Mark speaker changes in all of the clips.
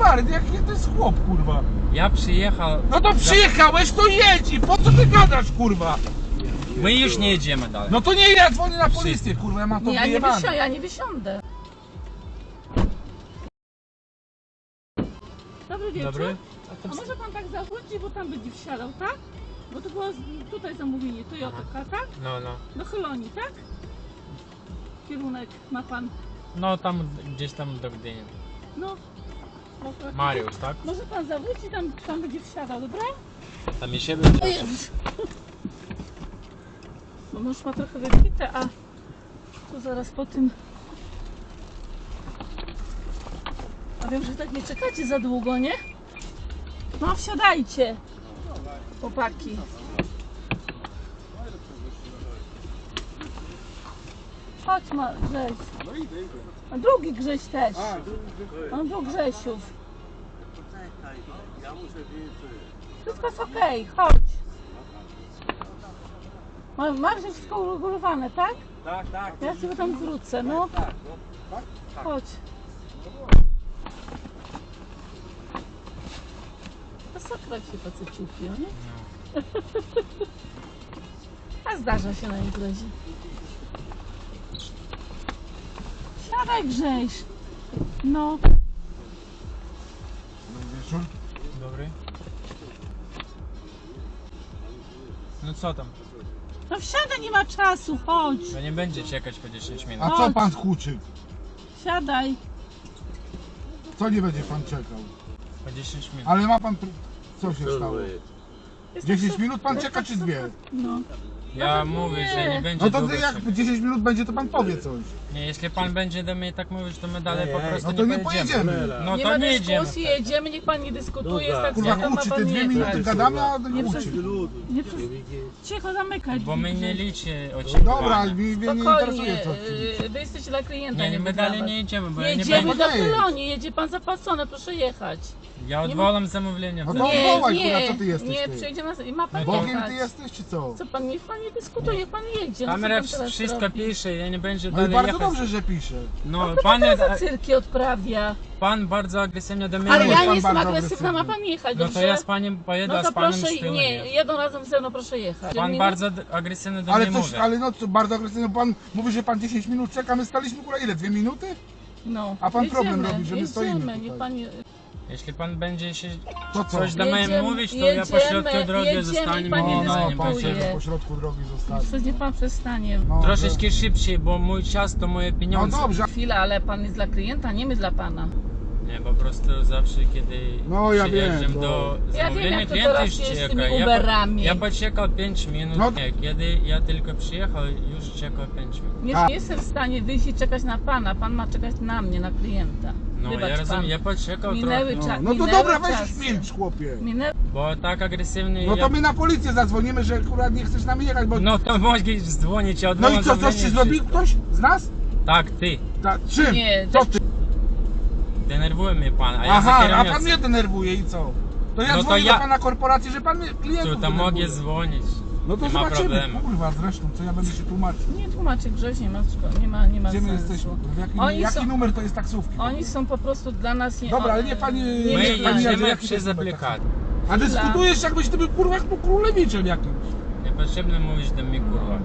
Speaker 1: parę, jaki to jest chłop, kurwa.
Speaker 2: Ja przyjechał...
Speaker 1: No to przyjechałeś, to jedź i po co ty gadasz, kurwa?
Speaker 2: My już nie jedziemy dalej.
Speaker 1: No to nie, ja dzwonię na policję, kurwa, ja mam to wyjebane.
Speaker 3: Ja nie wysiądę. Dobry wieczór.
Speaker 2: Dobry?
Speaker 3: A może pan tak zawrócić, bo tam będzie wsiadał, tak? Bo to było tutaj zamówienie Toyota, tak?
Speaker 2: No.
Speaker 3: Do Chelonii, tak? Kierunek ma pan.
Speaker 2: No tam gdzieś tam do Gdyni.
Speaker 3: No.
Speaker 2: Mariusz, tak?
Speaker 3: Może pan zawrócić, tam będzie wsiadał, dobra?
Speaker 2: Tam i siebie.
Speaker 3: O Jezus. Bo mąż ma trochę wybite, a tu zaraz po tym... A wiem, że tak nie czekacie za długo, nie? No wsiadajcie, chłopaki. Chodź ma Grześ. A drugi Grześ też. On był Grzesiów. Wszystko jest okej, chodź. Masz już wszystko uregulowane, tak?
Speaker 1: Tak.
Speaker 3: Ja sobie tam wrócę, no. Chodź. Zasakrać się faceciuki, nie? A zdarza się na imprezie. Siadaj Grześ. No.
Speaker 1: Wieczór.
Speaker 2: Dobry. No co tam?
Speaker 3: No wsiadaj, nie ma czasu, chodź.
Speaker 2: To nie będzie czekać po 10 minut.
Speaker 1: A co pan huczy?
Speaker 3: Siadaj.
Speaker 1: Co nie będzie pan czekał?
Speaker 2: Po 10 minut.
Speaker 1: Ale ma pan... Co się stało?
Speaker 3: Jest
Speaker 1: 10
Speaker 3: tak
Speaker 1: minut pan czeka czy 2?
Speaker 3: No.
Speaker 2: Ja
Speaker 3: No to
Speaker 2: mówię,
Speaker 3: nie.
Speaker 2: że nie będzie
Speaker 1: No to
Speaker 2: długo
Speaker 1: ty jak
Speaker 2: czekać.
Speaker 1: 10 minut będzie, to pan powie coś.
Speaker 2: Nie, jeśli pan będzie do mnie tak mówić, to my dalej po prostu
Speaker 1: No to nie
Speaker 2: pojedziemy.
Speaker 1: pojedziemy.
Speaker 2: No
Speaker 3: Nie
Speaker 2: to
Speaker 3: ma
Speaker 2: nie jedziemy.
Speaker 3: dyskusji, jedziemy, niech pan nie dyskutuje, jest tak
Speaker 1: Kurwa,
Speaker 3: samo, ma
Speaker 1: huczy,
Speaker 3: pan
Speaker 1: ty 2
Speaker 3: jechać.
Speaker 1: minuty gadamy, a
Speaker 3: Nie
Speaker 1: huczy.
Speaker 3: Nie przez... Cicho zamykać.
Speaker 2: Bo my nie
Speaker 3: Grześ.
Speaker 2: liczy
Speaker 1: Dobra,
Speaker 2: oczekiwania.
Speaker 1: mnie nie interesuje
Speaker 3: Spokojnie,
Speaker 1: co ci.
Speaker 3: wy jesteście dla klienta,
Speaker 2: Nie,
Speaker 3: nie
Speaker 2: my
Speaker 3: dla
Speaker 2: dalej
Speaker 3: was.
Speaker 2: nie jedziemy, bo ja nie
Speaker 3: Jedziemy
Speaker 2: będę...
Speaker 3: do Chelonii, jedzie pan zapłacone, proszę jechać.
Speaker 2: Ja odwołam zamówienie.
Speaker 1: No to odwołaj, kurwa, co ty jesteś,
Speaker 3: nie,
Speaker 1: ty?
Speaker 3: przyjedzie nas i ma pan
Speaker 1: Bogiem
Speaker 3: jechać.
Speaker 1: ty jesteś czy co?
Speaker 3: Co pan, niech pan nie dyskutuje, niech pan jedzie. No, co
Speaker 2: Kamera
Speaker 3: pan teraz
Speaker 2: wszystko
Speaker 3: robi?
Speaker 2: pisze, ja nie będzie
Speaker 1: No i
Speaker 2: dalej
Speaker 1: bardzo
Speaker 2: jechać.
Speaker 1: dobrze, że pisze.
Speaker 2: No,
Speaker 3: No
Speaker 2: pan,
Speaker 3: pan za cyrki odprawia.
Speaker 2: pan bardzo agresywnie do mnie
Speaker 3: Ale
Speaker 2: mówi.
Speaker 3: ja
Speaker 1: pan
Speaker 3: nie jestem
Speaker 1: bardzo
Speaker 3: agresywna, ma
Speaker 1: agresywny.
Speaker 3: pan jechać,
Speaker 2: No
Speaker 3: dobrze?
Speaker 2: to ja z panem pojedę,
Speaker 3: No
Speaker 2: a
Speaker 3: to
Speaker 2: z panem
Speaker 3: proszę,
Speaker 2: z tyłu
Speaker 3: nie,
Speaker 2: nie.
Speaker 3: jadą razem ze mną, proszę jechać.
Speaker 2: Pan
Speaker 3: Nie-
Speaker 2: bardzo agresywnie do
Speaker 1: Ale
Speaker 2: mnie
Speaker 1: coś,
Speaker 2: mówi.
Speaker 1: ale no co, bardzo agresywny, pan mówi, że pan 10 minut czeka, my staliśmy kurwa ile? 2 minuty?
Speaker 3: No,
Speaker 1: A pan
Speaker 3: jedziemy,
Speaker 1: problem robi, że my stoimy
Speaker 3: jedziemy,
Speaker 1: tutaj.
Speaker 3: niech pan...
Speaker 2: Jeśli pan będzie się
Speaker 1: To co?
Speaker 2: coś do mnie
Speaker 3: Jedziemy,
Speaker 2: mówić, to ja po środku drogi
Speaker 3: jedziemy,
Speaker 2: zostanie
Speaker 3: pan nie
Speaker 2: mi
Speaker 1: No,
Speaker 2: nie
Speaker 1: pan
Speaker 2: będzie.
Speaker 3: dyskutuje.
Speaker 1: się po środku drogi zostawi.
Speaker 3: Przecież niech pan przestanie.
Speaker 1: No,
Speaker 2: Troszeczkę szybciej, bo mój czas to moje
Speaker 1: No
Speaker 2: pieniądze.
Speaker 1: dobrze.
Speaker 3: Chwila, ale pan jest dla klienta, nie my dla pana.
Speaker 2: Nie, po prostu zawsze kiedy
Speaker 1: No, ja
Speaker 2: przyjeżdżam
Speaker 1: wiem, to-
Speaker 2: do
Speaker 3: Ja wiem,
Speaker 2: zamówienia,
Speaker 3: jak to
Speaker 2: klient
Speaker 3: teraz
Speaker 2: już
Speaker 3: jest z
Speaker 2: czeka.
Speaker 3: tymi Uberami.
Speaker 2: Ja poczekał 5 minut.
Speaker 1: No.
Speaker 2: Nie, kiedy ja tylko przyjechał, już czekał 5 minut.
Speaker 3: Nie
Speaker 1: Tak.
Speaker 3: jestem w stanie wyjść i czekać na pana, pan ma czekać na mnie, na klienta.
Speaker 2: No
Speaker 3: Wybacz
Speaker 2: ja rozumiem,
Speaker 3: pan.
Speaker 2: ja poczekał
Speaker 3: Minęły
Speaker 2: trochę.
Speaker 1: No to
Speaker 3: minęły
Speaker 1: dobra, weź
Speaker 3: czasy.
Speaker 1: milcz, chłopie.
Speaker 3: Minęły...
Speaker 2: Bo tak agresywny
Speaker 1: No
Speaker 2: ja...
Speaker 1: to my na policję zadzwonimy, że akurat nie chcesz z nami jechać, bo...
Speaker 2: No to mogę dzwonić, ja
Speaker 1: No
Speaker 2: odwołam
Speaker 1: i co, coś
Speaker 2: zamówienie,
Speaker 1: ci zrobił
Speaker 2: wszystko.
Speaker 1: ktoś z nas?
Speaker 2: Tak, ty.
Speaker 1: Czym?
Speaker 3: Nie,
Speaker 1: Co ty?
Speaker 2: Denerwuje mnie pan, a ja
Speaker 1: Aha,
Speaker 2: za
Speaker 1: a
Speaker 2: kierownicą.
Speaker 1: pan mnie denerwuje i co? To ja
Speaker 2: No to
Speaker 1: dzwonię
Speaker 2: ja-
Speaker 1: do pana korporacji, że pan mnie klientów
Speaker 2: Tu, to
Speaker 1: denerwuje.
Speaker 2: mogę dzwonić.
Speaker 1: No to
Speaker 2: nie ma
Speaker 1: zobaczymy,
Speaker 2: problemu.
Speaker 1: kurwa zresztą, co ja będę się tłumaczył.
Speaker 3: Nie tłumaczy Grześ, nie ma nie ma
Speaker 1: Gdzie my
Speaker 3: sensu.
Speaker 1: jesteśmy?
Speaker 3: Oni
Speaker 1: Jaki
Speaker 3: są-
Speaker 1: numer to jest taksówki?
Speaker 3: Oni są po prostu dla nas nie...
Speaker 1: Dobra, ale nie pani...
Speaker 3: nie
Speaker 2: My
Speaker 3: wiem,
Speaker 1: pani
Speaker 2: jedziemy
Speaker 1: jaki to
Speaker 2: przez
Speaker 1: jest numer
Speaker 2: aplikację.
Speaker 1: taksówki? A dyskutujesz jakbyś ty był kurwa królewiczem jakimś.
Speaker 2: Niepotrzebne mówić do mnie kurwa.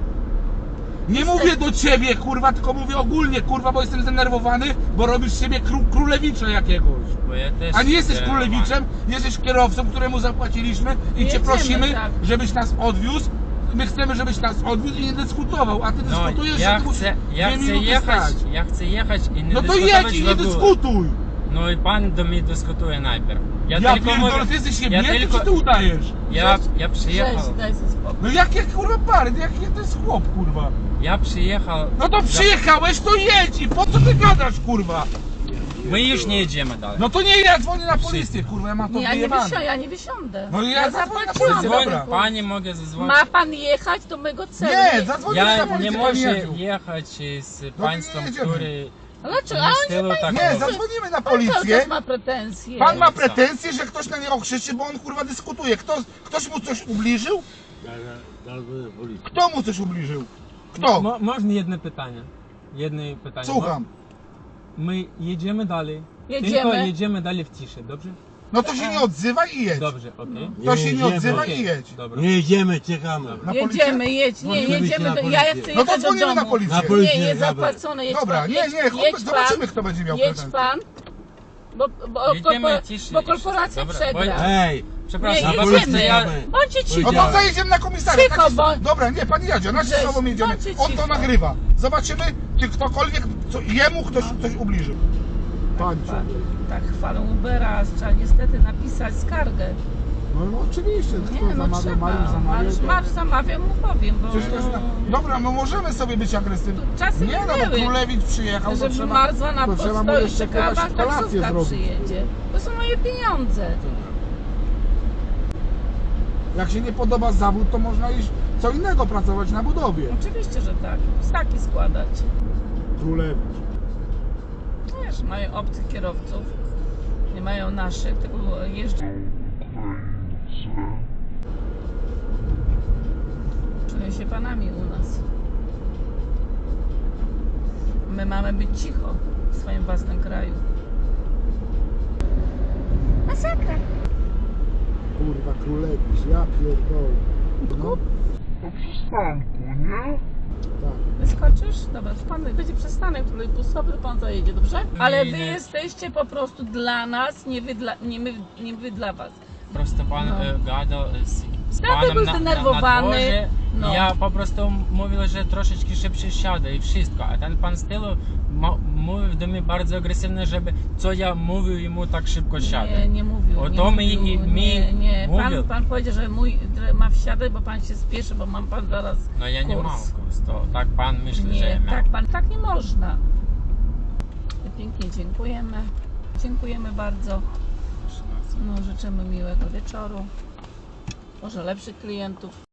Speaker 1: Nie mówię do ciebie kurwa, tylko mówię ogólnie kurwa, bo jestem zdenerwowany, bo robisz z siebie królewicza jakiegoś.
Speaker 2: Bo ja też
Speaker 1: A nie jesteś
Speaker 2: zdenerwowany.
Speaker 1: królewiczem, jesteś kierowcą, któremu zapłaciliśmy i cię
Speaker 3: Jedziemy,
Speaker 1: prosimy,
Speaker 3: tak.
Speaker 1: żebyś nas odwiózł. My chcemy, żebyś nas odwiózł i nie dyskutował, a ty
Speaker 2: No,
Speaker 1: dyskutujesz,
Speaker 2: ja
Speaker 1: że ty
Speaker 2: chcę, ja
Speaker 1: dwie
Speaker 2: chcę
Speaker 1: minuty
Speaker 2: jechać,
Speaker 1: stać.
Speaker 2: ja chcę jechać i nie
Speaker 1: No to
Speaker 2: dyskutować
Speaker 1: jedź i
Speaker 2: w
Speaker 1: nie
Speaker 2: ogóle.
Speaker 1: dyskutuj!
Speaker 2: No i pan do mnie dyskutuje najpierw.
Speaker 1: Ja pierdolę, ty jesteś niebieski, czy ty udajesz?
Speaker 2: ja przyjechał,
Speaker 3: Grześ, daj sobie spokój.
Speaker 1: No jakie kurwa pary, jaki to jest chłop kurwa?
Speaker 2: ja przyjechał.
Speaker 1: No to przyjechałeś, to jedź i po co ty gadasz kurwa?
Speaker 2: My już nie jedziemy dalej.
Speaker 1: No to nie, ja dzwonię na policję kurwa, ja mam to
Speaker 3: Nie,
Speaker 1: wyjebane.
Speaker 3: ja nie wysiądę.
Speaker 1: No ja zadzwonię na
Speaker 3: zapłaciłam.
Speaker 1: policję, dobra.
Speaker 2: Dzwoń, pani mogę zadzwonić.
Speaker 3: Ma pan jechać do mego celu.
Speaker 1: Nie, zadzwonię na
Speaker 2: Ja
Speaker 1: policję,
Speaker 2: nie
Speaker 1: panie
Speaker 2: mogę
Speaker 1: Jadziu.
Speaker 2: jechać z
Speaker 1: nie
Speaker 2: państwem,
Speaker 1: jedziemy.
Speaker 2: który
Speaker 3: Dlaczego?
Speaker 2: nie
Speaker 3: A
Speaker 2: w
Speaker 3: on
Speaker 2: stylu tak
Speaker 1: Nie,
Speaker 2: mówi.
Speaker 1: zadzwonimy na
Speaker 3: pan cały
Speaker 1: policję.
Speaker 3: czas ma pretensje.
Speaker 1: Pan ma
Speaker 2: co?
Speaker 1: pretensje, że ktoś na niego krzyczy, bo on kurwa dyskutuje. Ktoś mu coś ubliżył? Kto mu coś ubliżył? Kto?
Speaker 2: Można jedno pytanie? Jedno pytanie.
Speaker 1: Słucham.
Speaker 2: My jedziemy dalej. Tylko
Speaker 3: Jedziemy.
Speaker 2: jedziemy dalej w ciszy, dobrze?
Speaker 1: No to się nie odzywaj i jedź.
Speaker 2: Dobrze, okej.
Speaker 1: To się nie
Speaker 4: Jedziemy.
Speaker 1: odzywaj
Speaker 2: Okej,
Speaker 1: i jedź.
Speaker 2: Dobra.
Speaker 4: Nie jedziemy, czekamy.
Speaker 2: Dobra.
Speaker 1: Na policję?
Speaker 3: Jedziemy, jedź. Nie,
Speaker 4: Możemy iść
Speaker 3: jedziemy.
Speaker 4: na
Speaker 3: Ja
Speaker 4: policję.
Speaker 3: chcę
Speaker 1: No to
Speaker 3: jechać do
Speaker 1: dzwonimy
Speaker 3: domu.
Speaker 1: na policję.
Speaker 4: Na policję.
Speaker 3: Nie,
Speaker 4: Dobra.
Speaker 3: zapłacone. Jedź
Speaker 1: Dobra,
Speaker 3: pan,
Speaker 1: nie,
Speaker 3: jedź,
Speaker 1: nie,
Speaker 3: jedź
Speaker 1: zobaczymy
Speaker 3: pan,
Speaker 1: kto będzie miał
Speaker 3: jedź
Speaker 1: pretensje.
Speaker 3: pan.
Speaker 2: Jedziemy ciszy.
Speaker 3: Bo korporacja
Speaker 2: Dobra,
Speaker 3: przegra.
Speaker 4: Ej,
Speaker 2: Przepraszam,
Speaker 3: Nie,
Speaker 2: po
Speaker 3: jedziemy.
Speaker 2: prostu ja...
Speaker 3: Bądźcie
Speaker 1: No
Speaker 3: cicho.
Speaker 1: to zajedziemy na komisariat.
Speaker 3: Cicho, bo-
Speaker 1: Dobra, nie, pan jedzie, na
Speaker 3: Grześ,
Speaker 1: sobą jedziemy.
Speaker 3: bądźcie
Speaker 1: On to
Speaker 3: cicho.
Speaker 1: nagrywa. Zobaczymy, czy ktokolwiek, jemu ktoś coś ubliżył. Pańcie.
Speaker 3: Tak chwalą Ubera, trzeba niestety napisać skargę.
Speaker 5: No oczywiście, kto
Speaker 3: Nie, no
Speaker 5: zamawia,
Speaker 3: trzeba.
Speaker 5: Mariusz zamawiał. to-
Speaker 3: Mariusz zamawia, mu powiem, bo
Speaker 1: Przecież to jest Dobra, no możemy sobie być agresywni.
Speaker 3: Czasy
Speaker 1: Nie, no bo
Speaker 3: minęły.
Speaker 1: Królewicz przyjechał, to
Speaker 3: żeby
Speaker 1: trzeba...
Speaker 3: marzła na
Speaker 5: to trzeba mu
Speaker 3: postoi,
Speaker 5: jeszcze
Speaker 3: czekała,
Speaker 5: jakaś kolację
Speaker 3: taksówka
Speaker 5: zrobić.
Speaker 3: przyjedzie. To są moje pieniądze.
Speaker 1: Jak się nie podoba zawód, to można iść co innego pracować na budowie.
Speaker 3: Oczywiście, że tak. Staki składać.
Speaker 5: Królewicz.
Speaker 3: Wiesz, mają obcych kierowców. Nie mają naszych, tylko jeżdżą. Czują się panami u nas. My mamy być cicho w swoim własnym kraju. Masakra.
Speaker 5: Kurwa, Królewicz, ja pierdolę. No, tak.
Speaker 3: Wyskoczysz? Dobra, pan będzie przystanek trolejbusowy, to pan zajedzie, dobrze? Ale wy
Speaker 2: Nie.
Speaker 3: jesteście po prostu dla nas, nie wy dla was.
Speaker 2: Просто pan
Speaker 3: No.
Speaker 2: gadał z
Speaker 3: Tata
Speaker 2: panem
Speaker 3: był
Speaker 2: na
Speaker 3: zdenerwowany.
Speaker 2: dworze.
Speaker 3: No.
Speaker 2: Ja po prostu mówił, że troszeczkę szybciej siadę i wszystko. A ten pan z tyłu mówił do mnie bardzo agresywnie, żeby co ja mówił jemu tak szybko siadę.
Speaker 3: Nie mówił.
Speaker 2: O
Speaker 3: nie
Speaker 2: to
Speaker 3: mówił, nie.
Speaker 2: mówił.
Speaker 3: Pan powiedział, że że ma wsiadać, bo pan się spieszy, bo mam pan zaraz
Speaker 2: No ja nie
Speaker 3: kurs.
Speaker 2: mam kurs, to tak pan myśli, że ja
Speaker 3: Nie,
Speaker 2: miałem.
Speaker 3: tak nie można. Pięknie dziękujemy. Dziękujemy bardzo. No, życzymy miłego wieczoru. Może lepszych klientów.